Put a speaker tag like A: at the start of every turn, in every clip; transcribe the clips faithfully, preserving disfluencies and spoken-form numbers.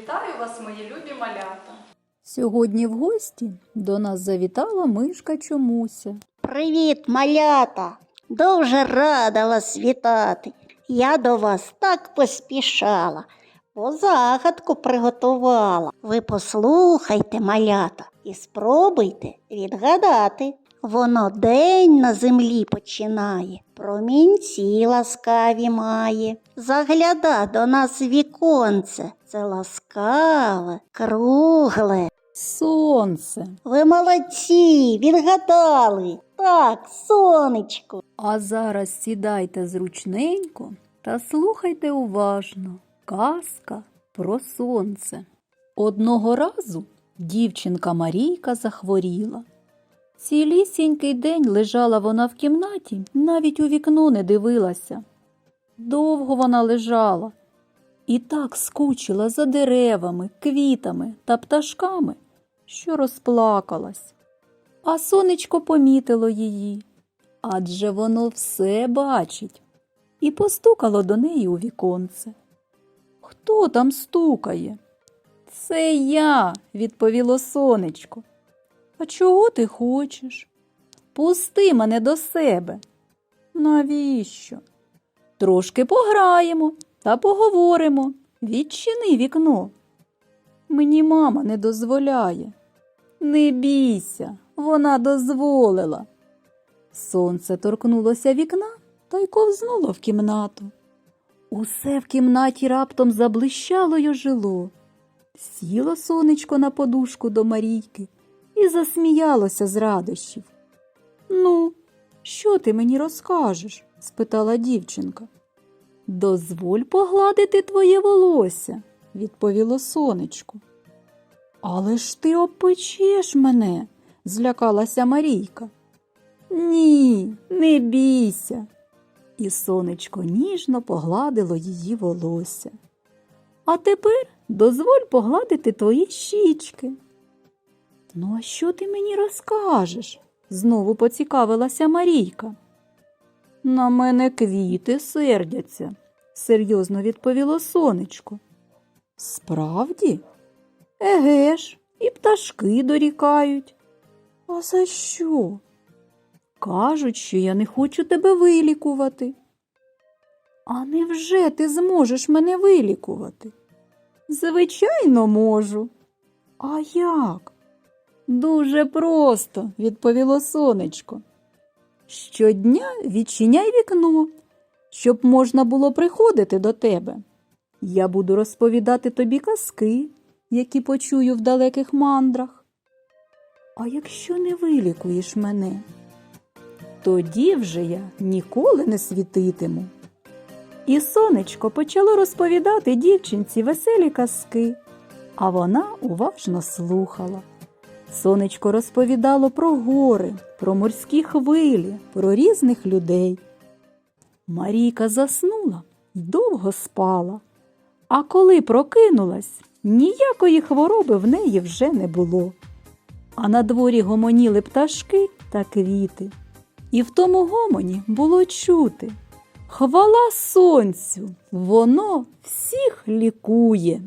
A: Вітаю вас, мої любі малята!
B: Сьогодні в гості до нас завітала мишка Чомуся.
C: Привіт, малята! Дуже рада вас вітати. Я до вас так поспішала, бо загадку приготувала. Ви послухайте, малята, і спробуйте відгадати. Воно день на землі починає, промінці ласкаві має. Загляда до нас віконце, це ласкаве, кругле.
B: Сонце.
C: Ви молодці, відгадали. Так, сонечко.
B: А зараз сідайте зручненько та слухайте уважно. Казка про сонце. Одного разу дівчинка Марійка захворіла. Цілісінький день лежала вона в кімнаті, навіть у вікно не дивилася. Довго вона лежала і так скучила за деревами, квітами та пташками, що розплакалась. А сонечко помітило її, адже воно все бачить, і постукало до неї у віконце. «Хто там стукає?» «Це я», – відповіло сонечко. «А чого ти хочеш?» «Пусти мене до себе». «Навіщо?» «Трошки пограємо та поговоримо. Відчини вікно». «Мені мама не дозволяє». «Не бійся, вона дозволила». Сонце торкнулося вікна та й ковзнуло в кімнату. Усе в кімнаті раптом заблищало й ожило. Сіло сонечко на подушку до Марійки і засміялося з радощів. «Ну, що ти мені розкажеш?» – спитала дівчинка. «Дозволь погладити твоє волосся», – відповіло сонечко. «Але ж ти обпечеш мене», – злякалася Марійка. «Ні, не бійся». І сонечко ніжно погладило її волосся. «А тепер дозволь погладити твої щічки». «Ну, а що ти мені розкажеш?» – знову поцікавилася Марійка. «На мене квіти сердяться», – серйозно відповіло сонечко. «Справді? Еге ж, і пташки дорікають». «А за що?» «Кажуть, що я не хочу тебе вилікувати». «А невже ти зможеш мене вилікувати?» «Звичайно, можу». «А як?» «Дуже просто», – відповіло сонечко. «Щодня відчиняй вікно, щоб можна було приходити до тебе. Я буду розповідати тобі казки, які почую в далеких мандрах. А якщо не вилікуєш мене, тоді вже я ніколи не світитиму». І сонечко почало розповідати дівчинці веселі казки, а вона уважно слухала. Сонечко розповідало про гори, про морські хвилі, про різних людей. Марійка заснула й довго спала, а коли прокинулась, ніякої хвороби в неї вже не було. А на дворі гомоніли пташки та квіти. І в тому гомоні було чути: «Хвала сонцю, воно всіх лікує».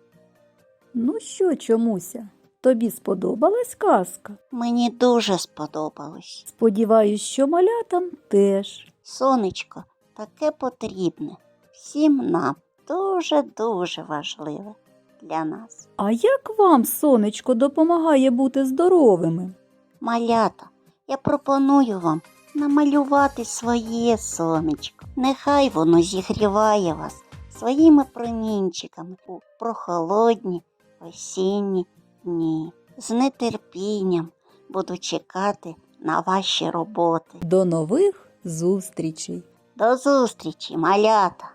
B: Ну що, Чомуся, тобі сподобалась казка?
C: Мені дуже сподобалось.
B: Сподіваюсь, що малятам теж.
C: Сонечко таке потрібне. Всім нам дуже-дуже важливе для нас.
B: А як вам сонечко допомагає бути здоровими?
C: Малята, я пропоную вам намалювати своє сонечко. Нехай воно зігріває вас своїми промінчиками у прохолодні осінні дні. З нетерпінням буду чекати на ваші роботи.
B: До нових зустрічей!
C: До зустрічі, малята!